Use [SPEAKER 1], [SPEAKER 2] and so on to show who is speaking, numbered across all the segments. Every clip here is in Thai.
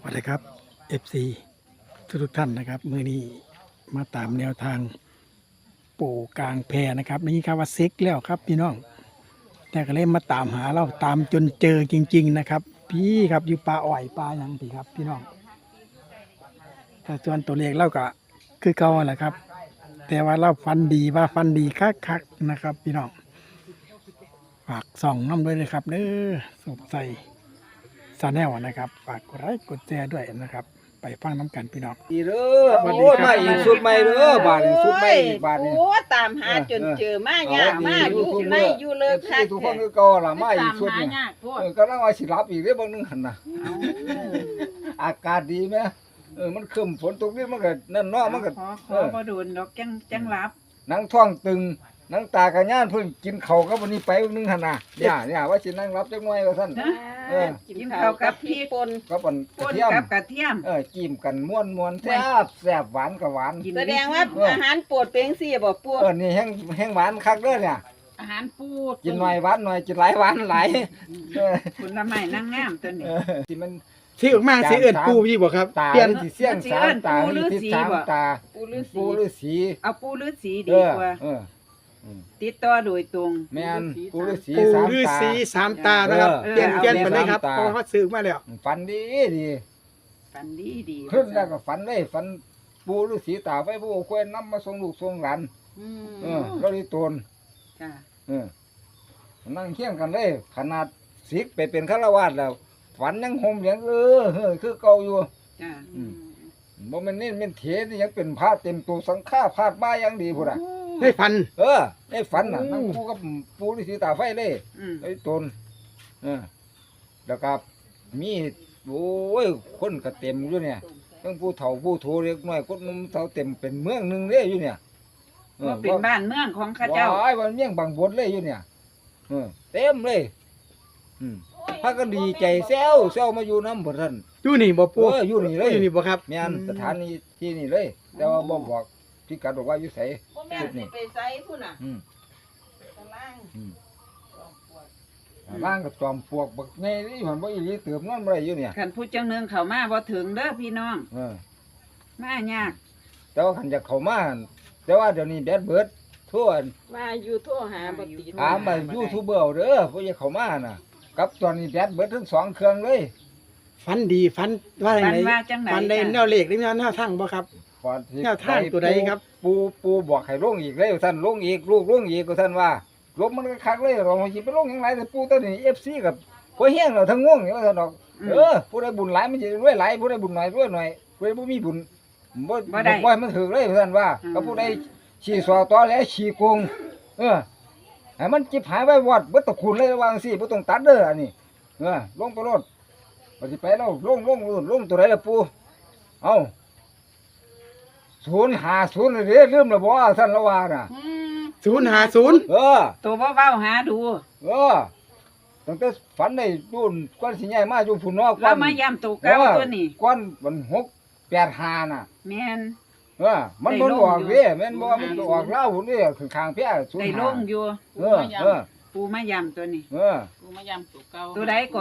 [SPEAKER 1] วัสดีครับ FC ทุกท่านนะครับมือนี้มาตามแนวทางปู่กลางแพนะครับนี่ครับว่าซิกแล้วครับพี่น้องแต่ก็เลยมาตามหาเราตามจนเจอจริงๆนะครับพี่ครับอยู่ปลาอ้อยปลาหยังพี่ครับพี่น้องแต่ส่วนตัวเลขเราก็คือเก่าแหละครับ แต่ว่าเราฟันดีว่าฟันดีคักๆนะครับ พี่น้องฝากส่องน้ำด้วยนะครับเด้อสดใสซาแนลนะครับฝากกดไลค์กดแชร์ด้วยนะครับ ไปฟังน้ำกันพี่น้อง
[SPEAKER 2] ดีเด้อ
[SPEAKER 1] สวัสดี
[SPEAKER 2] โอ้ย
[SPEAKER 1] ครับ
[SPEAKER 2] มาอีกสุดใหม่เด้อบาทนี่สุดใหม่บาทนี่
[SPEAKER 3] โอ้ตามหาจนเจอมายากมากอยู่ไม่อยู่เลยคัก
[SPEAKER 2] ทุกคนก็เก่าล่ะมาอีกสุดนี่
[SPEAKER 4] ยากพวก
[SPEAKER 2] ก็ลังว่าสิรับอีกเด้อบางนึงหั่นน่ะอากาศดีแมั้มันครึ้มฝนตกนี่มันก็นั่นเนาะมันก็
[SPEAKER 4] ขอบ่โดนดอกจังรับ
[SPEAKER 2] หนังท้องตึงหนังตากระย่านเพิ่นกินข้าวกับวันนี้ไปบางนึงหั่นน่ะเนี่ยว่าสินั่งรับจักหน่อยว่าซั่น
[SPEAKER 3] กินข้าวกับพี่ปน
[SPEAKER 2] กับอันกระ
[SPEAKER 4] ป่น
[SPEAKER 2] เทียม
[SPEAKER 4] กับกระเทียม
[SPEAKER 2] จิ้มกันม่วนๆแซ่บหวานก็หวาน
[SPEAKER 4] กิน
[SPEAKER 3] แสดงว่าอาหารโปรดเป็นสี่บ่ปวด
[SPEAKER 2] นี่แห้งหวานคักเด้อเนี่ย
[SPEAKER 4] อาหารปูด
[SPEAKER 2] กินหน่อยหวานหน่อยกินหลายหวานหลาย
[SPEAKER 4] ผลไม้นางงามตัวนี้
[SPEAKER 2] ที่มัน
[SPEAKER 1] ที่ออกมาสีเอื่นปูพี่บอกครับ
[SPEAKER 2] ตา
[SPEAKER 1] เปลี่ยน
[SPEAKER 2] ที่เสียงสามตาที่ทิศสามตา
[SPEAKER 3] ปูฤาษี
[SPEAKER 2] ปูฤาษี
[SPEAKER 4] เอาปูฤาษีดีกว่า ติดต่อโดยตรง
[SPEAKER 2] แม่นปูฤาษี
[SPEAKER 1] ปู
[SPEAKER 2] สาม
[SPEAKER 1] ฤา
[SPEAKER 2] ตา
[SPEAKER 1] ษีสามตานะครับ
[SPEAKER 2] เออ
[SPEAKER 1] เปลี่ยน
[SPEAKER 4] เอา
[SPEAKER 1] เปลี่ยนไปเลยครับ
[SPEAKER 2] สามตา
[SPEAKER 1] เพราะเขาซื้อมาแล้ว
[SPEAKER 2] ฝันดีดี
[SPEAKER 4] ฝันดี
[SPEAKER 2] ขึ้นแล้วก็ฝันเลยฝันปูฤาษีตาไว้ผู้ควยนำมาส่งลูกส่งหลานเราได้ตน
[SPEAKER 4] จ้า
[SPEAKER 2] นั่งเคียงกันเลยขนาดศิกไปเป็นฆราวาสแล้วฝันยังห่มยังคือเก่าอยู่
[SPEAKER 4] จ้า
[SPEAKER 2] บ่แม่นนี่เป็นเถนี่ยังเป็นพระเต็มตัวสังฆาพาดบ้ายังดีพุ่นน่ะ
[SPEAKER 1] ให้พัน
[SPEAKER 2] ได้ฝันน่ะนั่งคู่กับปูฤาษีตาไฟเลยไอ้ตนแล้วก็มีโอ้ยคนก็เต็มอยู่เนี่ยทั้งผู้เฒ่าผู้โทเล็กน้อยคนหนุ่มเฒ่าเต็มเป็นเมืองหนึงเลยอยู่เนี่ย
[SPEAKER 4] ว่าเป็นบ้านเมืองของข้าเจ้า
[SPEAKER 2] ว้ายวันเมี่ยงบางบดเลยอยู่เนี่ยเต็มเลยพากันดีใจแซวมาอยู่น้ำบ่ท่าน
[SPEAKER 1] อยู่นี่บ่ปู
[SPEAKER 2] อยู่นี่เลย
[SPEAKER 1] อยู่นี่บ่ครับ
[SPEAKER 2] แม่นสถานีที่นี่เลย แต่ว่าบ่บอกพี่กัดบอกว่าอยู่ไส
[SPEAKER 3] บ่แม่นสิไปไสพุ่นน่ะ
[SPEAKER 2] อืม
[SPEAKER 3] ตาราง
[SPEAKER 2] ร่างกับจอมปลวกบักไงนี่มันบ่อีหลีเติมนอนบ่ได้อยู่เนี่ย
[SPEAKER 4] คันผู้จังเนืองเข้ามาบ่ถึงเด้อพี่น้อง
[SPEAKER 2] เออ
[SPEAKER 4] มายาก
[SPEAKER 2] แต่ว่าคันจะเข้ามาแต่ว่าเดี๋ยวนี้แบดเบิดทั่ว
[SPEAKER 3] ว่าอยู่โทรหาบ่ติด
[SPEAKER 2] ถามมายูทูบเบอร์เด้อผู้จะเข้ามาน่ะกับตอนนี้แบดเบิดทั้งสองเครื่องเลย
[SPEAKER 1] ฟันดีฟันว่าอย่าง
[SPEAKER 4] ฝัน
[SPEAKER 1] ไร
[SPEAKER 4] ว่าจังไหน
[SPEAKER 1] ฟันได้แนวเลขหรือแนวทางบ่ครับ
[SPEAKER 2] ก่อนที่
[SPEAKER 1] แนวทางตัวใดครับ
[SPEAKER 2] ปูบอกให้ลงอีกเลยท่านลงอีกลูกลงอีกก็ท่านว่าลงมันก็คักเลยเราสิไปลงยังไงแต่ปูตัวนี้ FC กับพวกเฮียงเราทั้งง่วงนี่ว่าท่านดอกผู้ใดบุญหลายมันสิรวยหลายผู้ใดบุญน้อยรวยน้อยผู้ใดบ่มีบุญบ่ให้มันถึกเลยท่านว่าก็ผู้ใดชี้สอตอแล้วชี้โกงให้มันจิบหายไว้วอดเบิดตะคุณเลยว่าจังซี่บ่ต้องตัดเด้ออันนี้ลงไปโลดบ่สิไปแล้วลงตัวไหนล่ะปูเอ้า050เลยเด้ลืมแล้วบ่ท่านละว่าน่ะ
[SPEAKER 1] 050
[SPEAKER 4] ตัวบ่เว้าหาดู
[SPEAKER 2] ตั้งแต่ฝันได้ดูนก้อนสิใหญ่มาอยู่พุ่นเนาะ
[SPEAKER 4] เรามาย้ำตัวเก่าตัวนี้
[SPEAKER 2] ก้อนมัน685น่ะ
[SPEAKER 4] แม่น
[SPEAKER 2] มันบ่ออกเด้แม่นบ่มันออกลาวพุ่นเด้ข้างๆเพีย
[SPEAKER 4] ได้ลงอยู่ ปูมาย้ำตัวนี้
[SPEAKER 3] กูมายำตัวเก่า
[SPEAKER 4] ตัวใดก็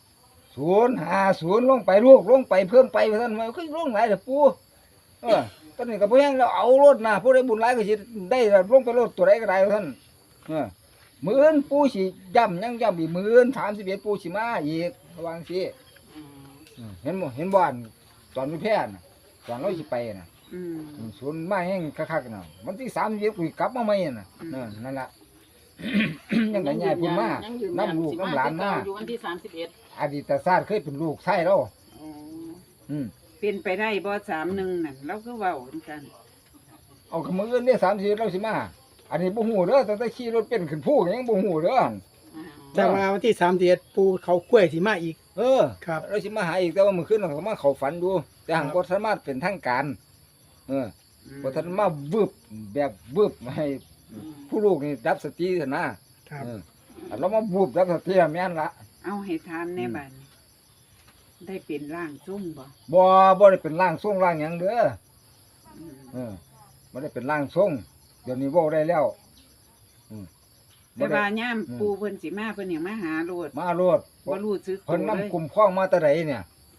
[SPEAKER 2] 050ลงไปลูกลงไปเพิ่มไปว่าซั่นว่าคือลงหลายเด้อปู่ตอนนี้ก็บ่แฮงแล้วเอารถน่ะผู้ใดบุญหลายก็สิได้ลงไปรถตัวใดก็ได้ว่าซั่นมื้ออื่นปู่สิย้ำยังย้ำอีกมื้ออื่น31ปู่สิมาอีกว่าจังซี่เห็นบ่อันตอนมีแพทย์น่ะตอนเราสิไปน่ะศูนย์มาแห้งคักๆน่ะวันที่31กูกลับมาใหม่น่ะนั่นล่ะ ยังได้ใหญ่พุ่นมาน้ำลูกน้ำหลานมา
[SPEAKER 3] อยู่วันที่31
[SPEAKER 2] อดีตชาติเคยเป็นลูกชายเรา
[SPEAKER 4] เป็นไปได้บ่31นั่นเราคือเว้าเหมือนกัน
[SPEAKER 2] เอาขมืออื่นเนี่ย30เราสิมาอันนี้บ่ฮู้เด้อตั้งแต่ขี่รถเป็นขึ้นภูยังบ่ฮู้เด้อ
[SPEAKER 1] แต่ว่าวันที่31ปูเขากล้วยสิมาอีกครับ
[SPEAKER 2] เราสิมาหาอีกแต่ว่ามื้อคืนเราก็มาเข้าฝันอยู่แต่หังบ่สามารถเป็นทางการบ่ทันมาวึบแบบวึบให้ผู้ลูกนี่ดับสติซะนะครับเรามาวึบดับสติแม่นละ
[SPEAKER 4] เอาให้ถามแน่บัดนี้ได้เป็นร่างทรงบ่
[SPEAKER 2] บ่ได้เป็นร่างทรงร่างหยังเด้อบ่ได้เป็นร่างทรงเดี๋ยวนี้เว้าได้แล้ว
[SPEAKER 4] แต่ว่าย่ามปูเพิ่นสิมาเพิ่นยังมาหาโลด
[SPEAKER 2] มาโลด
[SPEAKER 4] บ่รู้สึก
[SPEAKER 2] เพิ่น
[SPEAKER 4] ตัวเลย
[SPEAKER 2] นำกลุ่มคล้องมาแต่ใดเนี่ย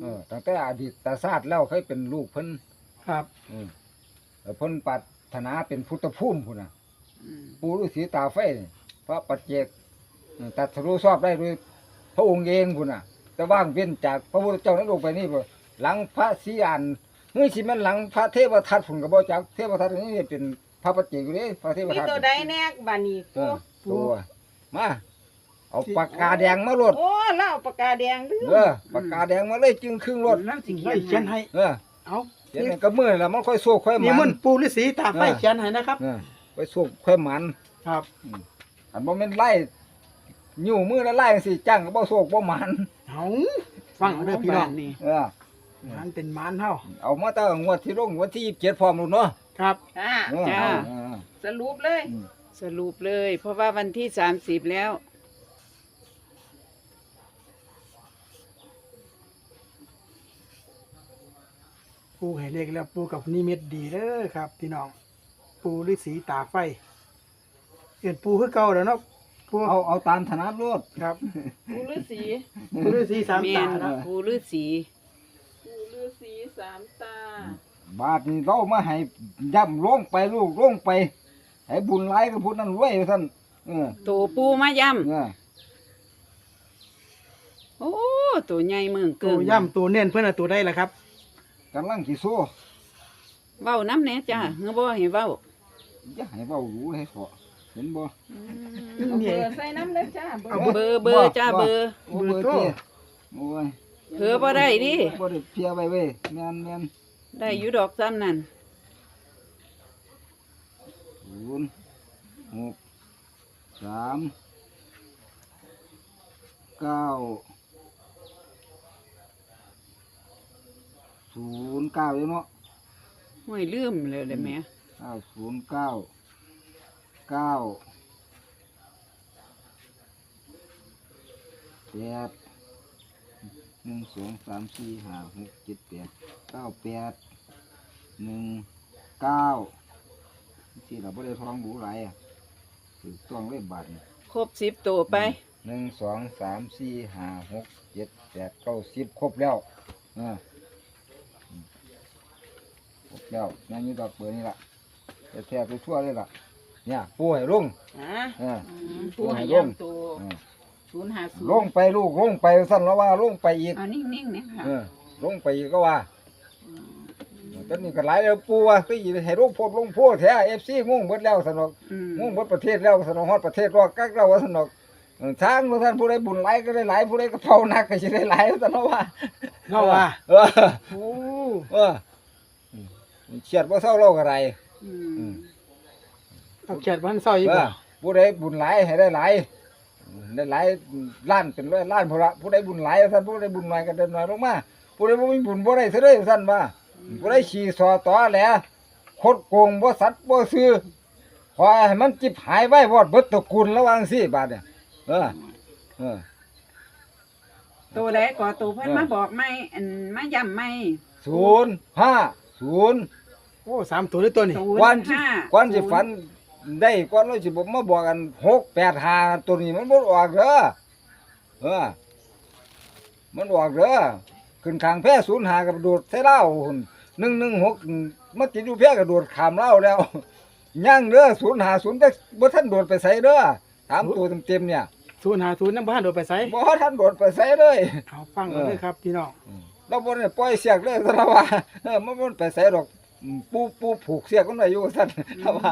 [SPEAKER 2] ตั้งแต่อดีตชาติแล้วเคยเป็นลูกเพิ่น
[SPEAKER 1] ครับ
[SPEAKER 2] เพิ่นปรารถนาเป็นพุทธภูมิพุ่นน่ะ
[SPEAKER 4] อืม
[SPEAKER 2] ปู่ฤาษีตาไฟนี่พระปัจเจกตรัสรู้ชอบได้ด้วยพระองค์เองพุ่นน่ะแต่ว่างเว้นจากพระพุทธเจ้านั้นลงไปนี่บ่หลังพระศรีอานเมื่อสิแม่นหลังพระเทวทัตพุ่นก็บ่จักเทวทัตนี่เป็นพระปัจเจกอยู่เด้พระเทว
[SPEAKER 3] มี
[SPEAKER 2] ทัต
[SPEAKER 3] ตัวใดแน่บานี้
[SPEAKER 2] เอ
[SPEAKER 3] ปู
[SPEAKER 2] อตัวมาเอาปากกาแดงมาโลด
[SPEAKER 3] โอ้เล่าปากกาแดงดื้อ
[SPEAKER 2] ปากกาแดงมาเลยจึงครึ่งรถ
[SPEAKER 4] แล้วสิ
[SPEAKER 1] ไล่เขียนให้ เอา
[SPEAKER 2] เขียนให้กับมือแล้วมันค่อยโซ่ค่อยห
[SPEAKER 1] นี่
[SPEAKER 2] มั
[SPEAKER 1] มัน นปูฤาษีตาไฟเขียนให้นะครับ
[SPEAKER 2] ไปโซ่ค่อยหมัน
[SPEAKER 1] ครับ
[SPEAKER 2] อันบ่แม่นไล่อยู่มือแล้วไล่จังซี่จ้างก็บ่โซ่บ่หมัน
[SPEAKER 1] เอาฟังเอาเด้อพี่น้อง
[SPEAKER 4] นี่
[SPEAKER 1] มันเป็นมานเฮา
[SPEAKER 2] เอามาตั้งงวดที่ลงวันที่27พร้อมลูกเนาะ
[SPEAKER 1] ครับ
[SPEAKER 3] จ้า
[SPEAKER 4] จ้า
[SPEAKER 3] สรุปเลย
[SPEAKER 4] สรุปเลย เพราะว่าวันที่30แล้ว
[SPEAKER 1] ปูให้เลขแล้วปูกับนิมิตดีเด้อครับ พี่น้อง ปูฤาษีตาไฟเอิ้นปูคือเก่าแล้วเนาะปู
[SPEAKER 2] เอาตามถนัดรถ
[SPEAKER 1] ครับ
[SPEAKER 3] ปูฤาษี
[SPEAKER 1] ปูฤาษีสาม
[SPEAKER 4] แม่
[SPEAKER 1] ตาน นะ
[SPEAKER 4] ปู่ฤาษี
[SPEAKER 3] ปูฤาษีสามตา
[SPEAKER 2] บาทนี้เรามาให้ย่ำลงไปลูกลงไปให้บุญหลายกับผู้นั้นรวยว่าซั่นเออ
[SPEAKER 4] ตัวปูมาย่
[SPEAKER 2] เออ
[SPEAKER 4] ำโอ้ตัวใหญ่เมือง
[SPEAKER 1] ตั
[SPEAKER 4] เกิ
[SPEAKER 1] วน ย่ำตัวเน้นเพื่อนเอาตัวได้ละครับ
[SPEAKER 2] กำลังสิสู้
[SPEAKER 4] เว้าน้ำแหน่จ้าเงาบ่ให้เว้า
[SPEAKER 2] อย่าให้เว้ารู้ให้พอเห็นบ่
[SPEAKER 3] เอาเบอร์ใส่น้ำเลยจ้าเบอ
[SPEAKER 1] เอา
[SPEAKER 3] ร์
[SPEAKER 4] เบอร์จ้าเบอร์
[SPEAKER 2] โอ้เบอร์เจ้โอ้ย
[SPEAKER 4] เผลอบ่ได้ดิ
[SPEAKER 2] บ่ได้เพียไว้เว้ยแม่น
[SPEAKER 4] ได้อยู่ดอกซ้ำนั่น
[SPEAKER 2] 0 6 3 9 0 9อยู่เนาะ
[SPEAKER 4] ห้วยลืมเลยแหม่
[SPEAKER 2] 9 0 9 9 8 1 2 3 4 5 6 7 8 9 8 1 9ที่เราไม่ได้ท้องบูไรอ่ะถูกต้องเลยบาทนี่
[SPEAKER 4] ครบ10ตัวไป
[SPEAKER 2] 1 2 3 4 5 6 7 8 9 10ครบแล้วครบแล้วนั่นนี่ดอกเบอร์นี่ล่ะแท้ๆไปทั่วเลยล่ะเนี่ยปูให้ลุง
[SPEAKER 3] อ่า
[SPEAKER 2] เออ
[SPEAKER 3] ปูให้ย่ำตัว
[SPEAKER 2] เออ
[SPEAKER 3] 050
[SPEAKER 2] ลงไปลูกลงไปสั้นแล้วว่าลงไปอีก
[SPEAKER 4] เอานิ่งๆเนี่ยค่ะ
[SPEAKER 2] ลงไปอีกก็ว่าตอนนี้ก็หลายแล้วปูว่าคือให้ลงโพดลงโพดแท้FC งงเบิดแล้วสนอก
[SPEAKER 4] อืม
[SPEAKER 2] งงเบิดประเทศแล้วสนอกฮอดประเทศรอกักเราว่าสนอกทางท่านผู้ใดบุญหลายก็ได้หลายผู้ใดก็เผาหนักก็สิได้หลายสนอกว่า
[SPEAKER 1] เราว่า
[SPEAKER 2] เออ
[SPEAKER 1] โอ้
[SPEAKER 2] เออเฉียดบ่เศร้าเราก็ไร
[SPEAKER 4] อืม
[SPEAKER 1] เอาเขียนวันเสาร์อีก
[SPEAKER 2] เอ
[SPEAKER 1] บ่
[SPEAKER 2] อผู้ใดบุญหลายให้ได้หลายได้หลายล้านเป็นร้อยล้านพุ่นละผู้ใดบุญหลายท่านผู้ใดบุญน้อยก็ได้น้อยลงมาผู้ใดบ่มีบุญบ่ได้ซะเด้อท่านว่าผู้ใดขี่สอตอแหละคดโกงบ่สัตว์บ่ซื่อขอให้มันจิบหายไว้วอดเบิดตระกูลระวังสิบาดเนี่ยเออ
[SPEAKER 4] ตัวใดก็ตัวเพิ่นมาบอกไม่อันมาย้ำไม่
[SPEAKER 2] 050
[SPEAKER 1] โอ้3ตัวเลยตัวนี้
[SPEAKER 2] ก่อนสิ
[SPEAKER 4] 05
[SPEAKER 2] ก่อนสิฝันได้ก่อนเราสิบ่มาบอกกัน685ตัวนี้มันบ่ออกเด้อมันออกเด้อขึ้นข้างแพร่05กับโดดใส่เหล้าหุ่น116มาติดอยู่แพร่ก็โดดข้ามเหล้าแล้วยังเด้อ050แต่บ่ทันโดดไปไสเด้อตามตัวเต็มๆเนี่ย
[SPEAKER 1] 050นำบ้านโดดไปไส
[SPEAKER 2] บ่ทันโดดไปไสเลย
[SPEAKER 1] เอาฟังเอาเลยครับพี่น้อง
[SPEAKER 2] เราบ่ได้ปล่อยเสียกเลยซะแล้วว่ามันบ่ไปไสดอกปูผูกเสียกมันไว้อยู่ซั่นแล้วว่า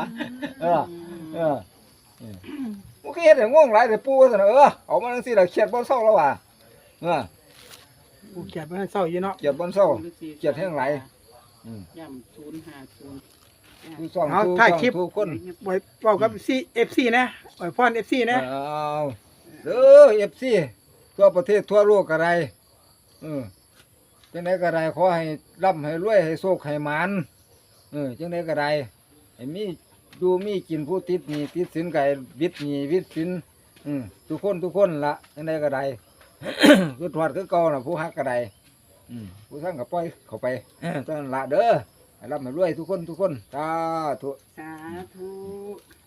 [SPEAKER 2] มันก็เฮ็ดให้ง่วงหลายแต่ปูว่าซั่นเอามาจังซี่ล่ะเครียดบ่เศร้าแล้วว่า
[SPEAKER 1] ปูเขียนวันเสาร์อยู่เนาะ
[SPEAKER 2] เครียดบ่เศร้าเครียดแฮงหลาย
[SPEAKER 4] ย้ำ050
[SPEAKER 2] ผู้ซ่องทุกคน
[SPEAKER 1] ไว้เว้ากับ FC นะไว้พร FC นะ
[SPEAKER 2] เอาเด้อ FC ทั่วประเทศทั่วโลกก็ได้จังได๋ก็ได้ขอให้ร่ำให้รวยให้โชคให้หมานจังได๋ก็ได้ให้มีอยู่มีกินผู้ติดหนี้ติดสินก็ให้วิดหนี้วิดสินทุกคนละจังได๋ก็ได้ คือทอดคือเก่าน่ะผู้ฮักก็ได้ผู้ทั้งก็ปล่อยเข้าไปจังนั้นละเด้อให้ร่ำให้รวยทุกคนสาธุ
[SPEAKER 4] สาธุ